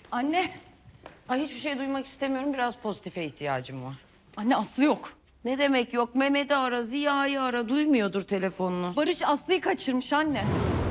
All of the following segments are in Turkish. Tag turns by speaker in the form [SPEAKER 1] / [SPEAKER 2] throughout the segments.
[SPEAKER 1] Anne.
[SPEAKER 2] Ay hiçbir şey duymak istemiyorum. Biraz pozitife ihtiyacım var.
[SPEAKER 1] Anne Aslı yok.
[SPEAKER 2] Ne demek yok? Mehmet'i ara, Ziya'yı ara. Duymuyordur telefonunu.
[SPEAKER 1] Barış Aslı'yı kaçırmış anne.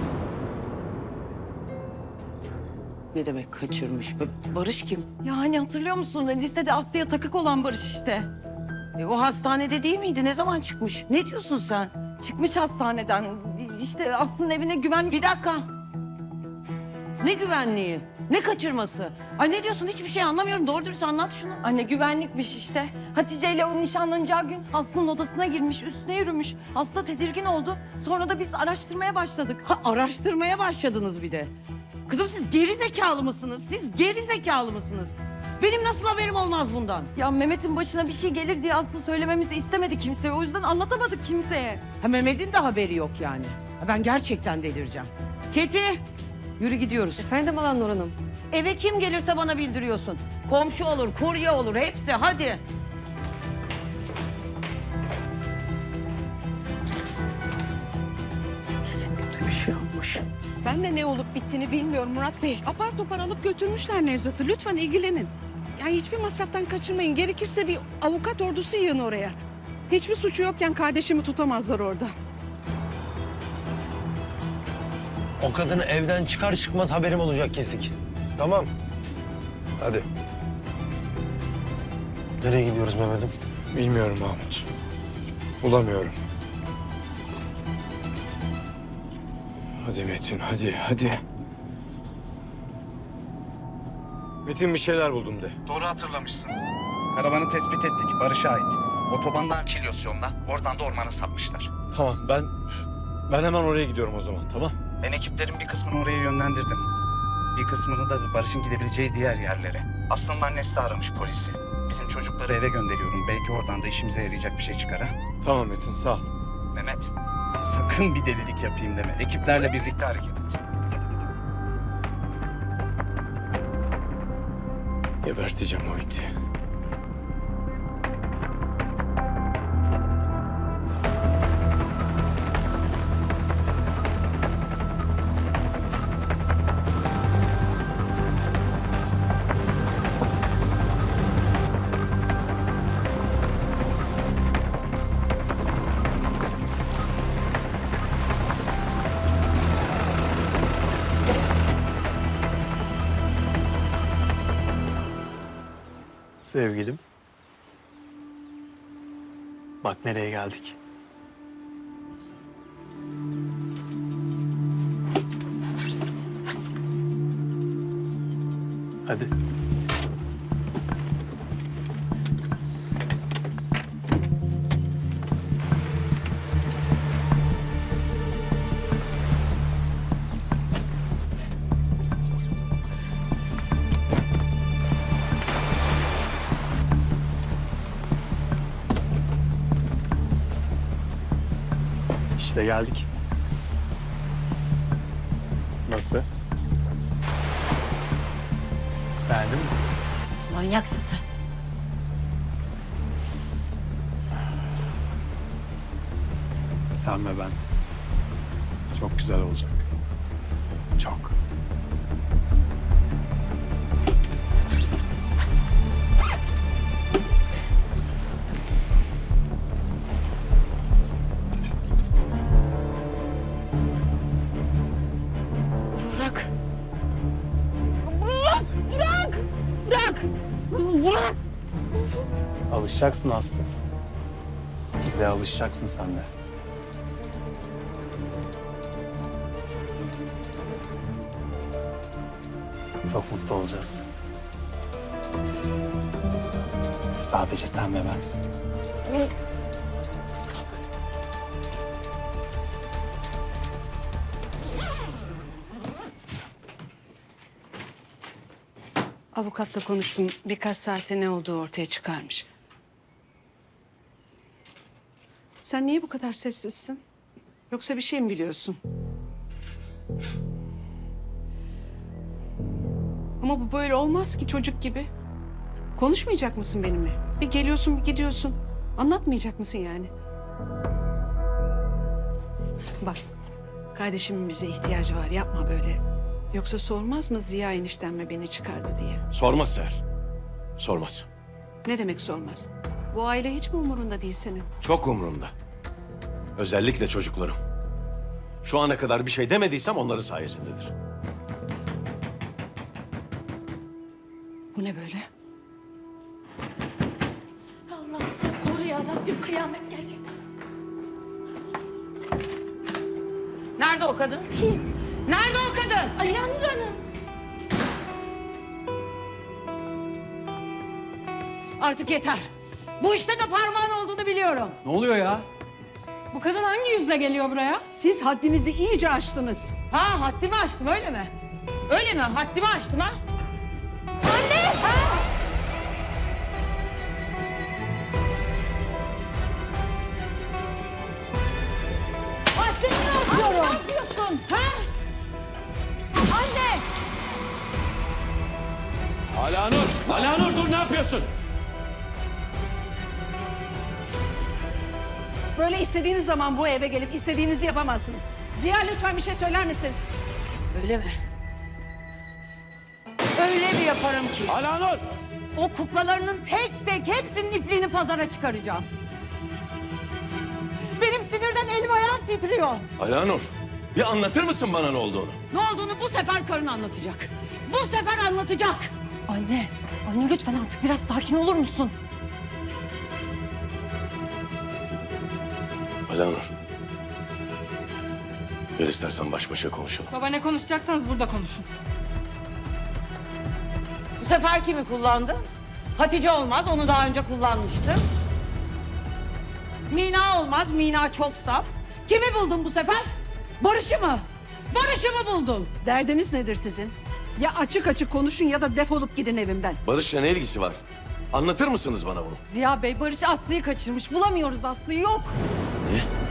[SPEAKER 2] Ne demek kaçırmış? Barış kim?
[SPEAKER 1] Ya hani hatırlıyor musun? Lisede Aslı'ya takık olan Barış işte.
[SPEAKER 2] O hastanede değil miydi? Ne zaman çıkmış? Ne diyorsun sen?
[SPEAKER 1] Çıkmış hastaneden. İşte Aslı'nın evine güvenlik...
[SPEAKER 2] Bir dakika. Ne güvenliği? Ne kaçırması? Ay ne diyorsun? Hiçbir şey anlamıyorum. Doğru dürüst anlat şunu.
[SPEAKER 1] Anne güvenlikmiş işte. Hatice ile o nişanlanacağı gün Aslı'nın odasına girmiş, üstüne yürümüş. Aslı tedirgin oldu. Sonra da biz araştırmaya başladık.
[SPEAKER 2] Ha, araştırmaya başladınız bir de. Kızım siz geri zekalı mısınız? Siz geri zekalı mısınız? Benim nasıl haberim olmaz bundan?
[SPEAKER 1] Ya Mehmet'in başına bir şey gelir diye Aslı söylememizi istemedi kimseye. O yüzden anlatamadık kimseye.
[SPEAKER 2] Ha, Mehmet'in de haberi yok yani. Ha, ben gerçekten delireceğim. Keti, yürü gidiyoruz.
[SPEAKER 3] Efendim Alanur Hanım.
[SPEAKER 2] Eve kim gelirse bana bildiriyorsun. Komşu olur, kurye olur, hepsi. Hadi. Kesin kötü bir şey olmuş.
[SPEAKER 4] Ben de ne olup bittiğini bilmiyorum Murat Bey. Apar topar alıp götürmüşler Nevzat'ı. Lütfen ilgilenin. Yani hiçbir masraftan kaçırmayın. Gerekirse bir avukat ordusu yığın oraya. Hiçbir suçu yokken kardeşimi tutamazlar orada.
[SPEAKER 5] O kadını evden çıkar çıkmaz haberim olacak kesik. Tamam. Hadi. Nereye gidiyoruz Mehmet'im?
[SPEAKER 6] Bilmiyorum Mahmut. Bulamıyorum. Hadi Metin, hadi. Metin bir şeyler buldum de.
[SPEAKER 7] Doğru hatırlamışsın. Karavanı tespit ettik. Barış'a ait. Otobandan Kilyos oradan da ormana sapmışlar.
[SPEAKER 6] Tamam, ben hemen oraya gidiyorum o zaman, tamam?
[SPEAKER 7] Ben ekiplerin bir kısmını oraya yönlendirdim. Bir kısmını da Barış'ın gidebileceği diğer yerlere. Aslı'nın annesi de aramış polisi. Bizim çocukları eve gönderiyorum. Belki oradan da işimize yarayacak bir şey çıkar ha.
[SPEAKER 6] Tamam Metin, sağ ol.
[SPEAKER 7] Mehmet, sakın bir delilik yapayım deme. Ekiplerle birlikte hareket et.
[SPEAKER 6] Geberteceğim o iti.
[SPEAKER 8] Sevgilim. Bak nereye geldik. Hadi. İşte geldik. Nasıl? Beğendin mi?
[SPEAKER 2] Manyaksın sen.
[SPEAKER 8] Sen ve ben. Çok güzel olacak. Çok.
[SPEAKER 2] Bırak. Bırak.
[SPEAKER 8] Alışacaksın Aslı. Bize alışacaksın sen de. Çok mutlu olacağız. Sadece sen ve ben.
[SPEAKER 4] Avukatla konuştum. Birkaç saate ne olduğu ortaya çıkarmış. Sen niye bu kadar sessizsin? Yoksa bir şey mi biliyorsun? Ama bu böyle olmaz ki çocuk gibi. Konuşmayacak mısın benimle? Bir geliyorsun bir gidiyorsun. Anlatmayacak mısın yani? Bak, kardeşimin bize ihtiyacı var. Yapma böyle. Yoksa sormaz mı Ziya enişten mi beni çıkardı diye?
[SPEAKER 3] Sormaz Seher. Sormaz.
[SPEAKER 4] Ne demek sormaz? Bu aile hiç mi umurunda değil senin?
[SPEAKER 3] Çok umurumda. Özellikle çocuklarım. Şu ana kadar bir şey demediysem onların sayesindedir.
[SPEAKER 4] Bu ne böyle?
[SPEAKER 1] Allah'ım sen koru ya Rabbim, kıyamet geliyor.
[SPEAKER 2] Nerede o kadın?
[SPEAKER 1] Kim?
[SPEAKER 2] Nerede o kadın?
[SPEAKER 1] Alanur Hanım.
[SPEAKER 2] Artık yeter. Bu işte de parmağın olduğunu biliyorum.
[SPEAKER 6] Ne oluyor ya?
[SPEAKER 9] Bu kadın hangi yüzle geliyor buraya?
[SPEAKER 4] Siz haddinizi iyice aştınız.
[SPEAKER 2] Ha, haddimi aştım öyle mi? Öyle mi? Haddimi aştım ha?
[SPEAKER 1] Haddini aşıyorum. Ne yapıyorsun?
[SPEAKER 2] Ha?
[SPEAKER 1] Anne!
[SPEAKER 3] Alanur! Alanur dur, ne yapıyorsun?
[SPEAKER 4] Böyle istediğiniz zaman bu eve gelip istediğinizi yapamazsınız. Ziya lütfen bir şey söyler misin?
[SPEAKER 2] Öyle mi? Öyle mi yaparım ki?
[SPEAKER 3] Alanur!
[SPEAKER 2] O kuklalarının tek tek hepsinin ipliğini pazara çıkaracağım. Benim sinirden elim ayağım titriyor.
[SPEAKER 3] Alanur, bir anlatır mısın bana ne olduğunu?
[SPEAKER 2] Ne olduğunu bu sefer karın anlatacak. Bu sefer anlatacak.
[SPEAKER 1] Anne, anne lütfen artık biraz sakin olur musun?
[SPEAKER 3] Alanur. Gel istersen baş başa konuşalım.
[SPEAKER 9] Baba, ne konuşacaksanız burada konuşun.
[SPEAKER 2] Bu sefer kimi kullandın? Hatice olmaz, onu daha önce kullanmıştım. Mina olmaz, Mina çok saf. Kimi buldun bu sefer? Barış'ı mı? Barış'ı mı buldun?
[SPEAKER 4] Derdiniz nedir sizin? Ya açık açık konuşun ya da defolup gidin evimden.
[SPEAKER 3] Barış'la ne ilgisi var? Anlatır mısınız bana bunu?
[SPEAKER 1] Ziya Bey, Barış Aslı'yı kaçırmış. Bulamıyoruz Aslı'yı, yok.
[SPEAKER 3] Ne?